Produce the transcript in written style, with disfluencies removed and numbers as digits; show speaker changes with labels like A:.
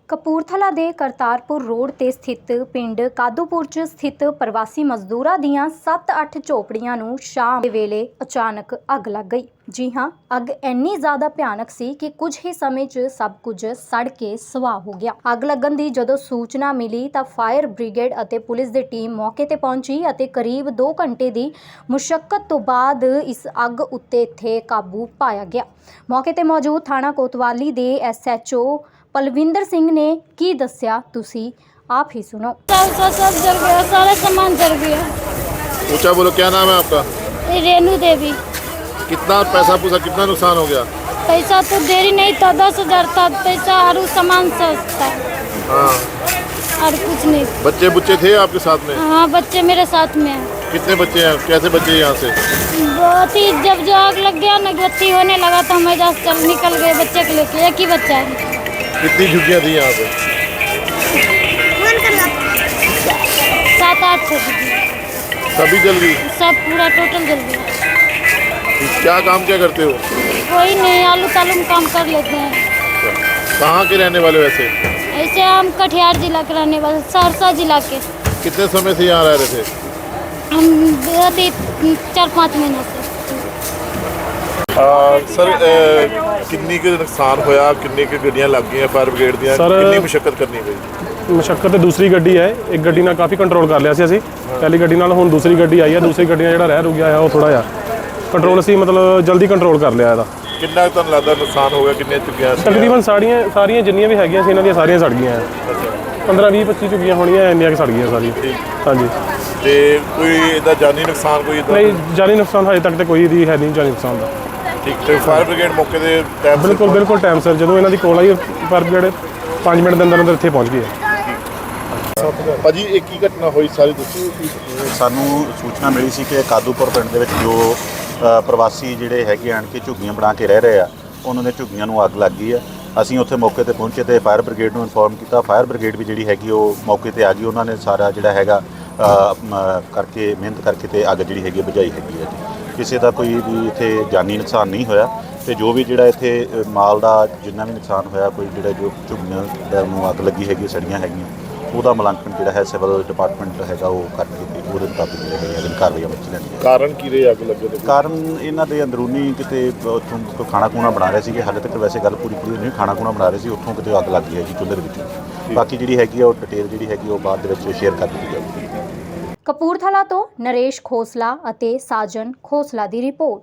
A: ਕਪੂਰਥਲਾ ਦੇ ਕਰਤਾਰਪੁਰ ਰੋਡ ਤੇ ਸਥਿਤ ਪਿੰਡ ਕਾਦੂਪੁਰ 'ਚ ਸਥਿਤ ਪ੍ਰਵਾਸੀ ਮਜ਼ਦੂਰਾਂ ਦੀਆਂ 7-8 ਝੋਪੜੀਆਂ ਨੂੰ ਸ਼ਾਮ ਦੇ ਵੇਲੇ ਅਚਾਨਕ ਅੱਗ ਲੱਗ ਗਈ। ਜੀ ਹਾਂ, ਅੱਗ ਇੰਨੀ ਜ਼ਿਆਦਾ ਭਿਆਨਕ ਸੀ ਕਿ ਕੁਝ ਹੀ ਸਮੇਂ 'ਚ ਸਭ ਕੁਝ ਸੜ ਕੇ ਸਵਾਹ ਹੋ ਗਿਆ। ਅੱਗ ਲੱਗਣ ਦੀ ਜਦੋਂ ਸੂਚਨਾ ਮਿਲੀ ਤਾਂ ਫਾਇਰ ਬ੍ਰਿਗੇਡ ਅਤੇ ਪੁਲਿਸ ਦੀ ਟੀਮ ਮੌਕੇ ਤੇ ਪਹੁੰਚੀ ਅਤੇ ਕਰੀਬ 2 ਘੰਟੇ ਦੀ ਮੁਸ਼ੱਕਤ ਤੋਂ ਬਾਅਦ ਇਸ ਅੱਗ ਉੱਤੇ ਇੱਥੇ ਕਾਬੂ ਪਾਇਆ ਗਿਆ। ਮੌਕੇ ਤੇ ਮੌਜੂਦ ਥਾਣਾ ਕੋਤਵਾਲੀ ਦੇ SHO पलविंदर सिंह ने की दस्या, तुसी आप ही सुनो।
B: सब जल गया, सारा सामान जल गया।
C: ऊंचा बोलो, क्या नाम है आपका?
B: रेनू देवी।
C: कितना पैसा पूसा कितना नुकसान हो गया?
B: पैसा तो देरी नहीं था, 10,000 था पैसा और सामान सस्ता।
C: हाँ,
B: और कुछ नहीं।
C: बच्चे बुच्चे थे आपके साथ में?
B: हाँ, बच्चे मेरे साथ में हैं।
C: कितने बच्चे हैं? कैसे बच्चे यहाँ से?
B: बहुत ही जब जो आग लग गया ना, बत्ती होने लगा तो हम इधर चल निकल गए बच्चे को लेके। एक ही बच्चा है।
C: कितनी झुग्गियाँ थी यहाँ पे?
B: 7-8
C: सभी जल गई?
B: सब पूरा टोटल जल गया।
C: क्या काम क्या करते हो?
B: कोई नहीं, आलू तालू में काम कर लेते हैं।
C: कहाँ के रहने वाले वैसे?
B: ऐसे हम कटिहार जिला के रहने वाले, सहरसा जिला के।
C: कितने समय से यहाँ रह रहे थे?
B: हम 4-5 महीने से।
C: सर किन्नी के नुकसान होया, किन्नी के गड्डियां लग गई फायर ब्रिगेड ਦੀਆਂ ਕਿੰਨੀ ਮੁਸ਼ਕਲ ਕਰਨੀ ਪਈ?
D: ਮੁਸ਼ਕਲ ਤੇ ਦੂਸਰੀ ਗੱਡੀ ਹੈ, ਇੱਕ ਗੱਡੀ ਨਾਲ ਕਾਫੀ ਕੰਟਰੋਲ ਕਰ ਲਿਆ ਸੀ ਅਸੀਂ। ਪਹਿਲੀ ਗੱਡੀ ਨਾਲ ਹੁਣ ਦੂਸਰੀ ਗੱਡੀ ਆਈ ਹੈ, ਦੂਸਰੀ ਗੱਡੀ ਨਾਲ ਜਿਹੜਾ ਰਹਿ ਰੁਕਿਆ ਹੈ ਉਹ ਥੋੜਾ ਜਿਹਾ ਕੰਟਰੋਲ ਅਸੀਂ ਮਤਲਬ ਜਲਦੀ ਕੰਟਰੋਲ ਕਰ ਲਿਆ ਇਹਦਾ।
C: ਕਿੰਨਾ ਤੁਹਾਨੂੰ ਲੱਗਦਾ ਨੁਕਸਾਨ ਹੋ ਗਿਆ, ਕਿੰਨੇ ਝੁੱਗੀਆਂ ਸੀ?
D: ਤਕਰੀਬਨ ਸਾਰੀਆਂ ਜਿੰਨੀਆਂ ਵੀ ਹੈਗੀਆਂ ਸੀ ਇਹਨਾਂ ਦੀਆਂ ਸਾਰੀਆਂ ਸੜ ਗਈਆਂ। 15-20-25 ਝੁੱਗੀਆਂ ਹੋਣੀਆਂ, ਇੰਨੀਆਂ ਕਿ ਸੜ ਗਈਆਂ ਸਾਰੀਆਂ। ਹਾਂਜੀ।
C: ਤੇ ਕੋਈ ਇਹਦਾ ਜਾਨੀ ਨੁਕਸਾਨ ਕੋਈ ਇੱਦਾਂ?
D: ਨਹੀਂ, ਜਾਨੀ ਨੁਕਸਾਨ ਹਜੇ ਤੱਕ ਤੇ ਕੋਈ ਦੀ ਹੈ ਨਹੀਂ ਜਾਨੀ ਨੁਕਸਾਨ ਦਾ।
C: ਠੀਕ। ਤੇ ਫਾਇਰ ਬ੍ਰਿਗੇਡ ਮੌਕੇ ਦੇ ਟਾਈਮ
D: ਬਿਲਕੁਲ ਟਾਈਮ ਸਿਰ ਜਦੋਂ ਇਹਨਾਂ ਦੀ ਕੋਲ ਆਈ ਫਾਇਰ ਬ੍ਰਿਗੇਡ 5 ਮਿੰਟ ਦੇ ਅੰਦਰ ਇੱਥੇ ਪਹੁੰਚ ਗਈ ਹੈ।
C: ਭਾਜੀ ਇਹ ਕੀ ਘਟਨਾ ਹੋਈ ਸਾਰੀ ਦੱਸੋ।
E: ਸਾਨੂੰ ਸੂਚਨਾ ਮਿਲੀ ਸੀ ਕਿ ਕਾਦੂਪੁਰ ਪਿੰਡ ਦੇ ਵਿੱਚ ਜੋ ਪ੍ਰਵਾਸੀ ਜਿਹੜੇ ਹੈਗੇ ਆਣ ਕੇ ਝੁੱਗੀਆਂ ਬਣਾ ਕੇ ਰਹਿ ਰਹੇ ਆ, ਉਹਨਾਂ ਦੇ ਝੁੱਗੀਆਂ ਨੂੰ ਅੱਗ ਲੱਗ ਗਈ ਆ। ਅਸੀਂ ਉੱਥੇ ਮੌਕੇ ਤੇ ਪਹੁੰਚੇ ਤੇ ਫਾਇਰ ਬ੍ਰਿਗੇਡ ਨੂੰ ਇਨਫੋਰਮ ਕੀਤਾ। ਫਾਇਰ ਬ੍ਰਿਗੇਡ ਵੀ ਜਿਹੜੀ ਹੈਗੀ ਉਹ ਮੌਕੇ ਤੇ ਆ ਗਈ। ਉਹਨਾਂ ਨੇ ਸਾਰਾ ਜਿਹੜਾ ਹੈਗਾ ਕਰਕੇ ਮਿਹਨਤ ਕਰਕੇ ਤੇ ਅੱਗ ਜਿਹੜੀ ਹੈਗੀ ਬੁਝਾਈ ਹੈਗੀ ਹੈ ਜੀ। ਕਿਸੇ ਦਾ ਕੋਈ ਵੀ ਇੱਥੇ ਜਾਨੀ ਨੁਕਸਾਨ ਨਹੀਂ ਹੋਇਆ ਤੇ ਜੋ ਵੀ ਜਿਹੜਾ ਇੱਥੇ ਮਾਲ ਦਾ ਜਿੰਨਾ ਵੀ ਨੁਕਸਾਨ ਹੋਇਆ, ਕੋਈ ਜਿਹੜਾ ਜੋ ਝੁੱਗੀਆਂ ਨੂੰ ਅੱਗ ਲੱਗੀ ਹੈਗੀ ਸੜੀਆਂ ਹੈਗੀਆਂ, ਉਹਦਾ ਮੁਲਾਂਕਣ ਜਿਹੜਾ ਹੈ ਸਿਵਲ ਡਿਪਾਰਟਮੈਂਟ ਹੈਗਾ ਉਹ ਕਰਕੇ ਤੇ ਉਹਦੇ ਮੁਤਾਬਿਕ ਜਿਹੜੇ ਕਾਰਵਾਈਆਂ ਵਿੱਚ ਲੈਂਦੀ ਹੈ।
C: ਕਾਰਨ ਕੀ ਰਹੇ ਅੱਗ ਲੱਗਣ ਦੇ?
E: ਕਾਰਨ ਇਹਨਾਂ ਦੇ ਅੰਦਰੂਨੀ ਕਿਤੇ ਉੱਥੋਂ ਕੋਈ ਖਾਣਾ ਖੂਣਾ ਬਣਾ ਰਹੇ ਸੀਗੇ। ਹਾਲੇ ਤੱਕ ਵੈਸੇ ਗੱਲ ਪੂਰੀ ਨਹੀਂ, ਖਾਣਾ ਖੂਣਾ ਬਣਾ ਰਹੇ ਸੀ, ਉੱਥੋਂ ਕਿਤੇ ਅੱਗ ਲੱਗ ਗਈ ਹੈ ਜੀ ਚੁੱਲ੍ਹੇ ਦੇ ਵਿੱਚ। ਬਾਕੀ ਜਿਹੜੀ ਹੈਗੀ ਉਹ ਡਿਟੇਲ ਜਿਹੜੀ ਹੈਗੀ ਉਹ ਬਾਅਦ ਦੇ ਵਿੱਚ ਸ਼ੇਅਰ ਕਰ ਦਿੱਤੀ ਜਾਊਗੀ।
A: ਕਪੂਰਥਲਾ ਤੋਂ ਨਰੇਸ਼ ਖੋਸਲਾ ਅਤੇ ਸਾਜਨ ਖੋਸਲਾ ਦੀ ਰਿਪੋਰਟ।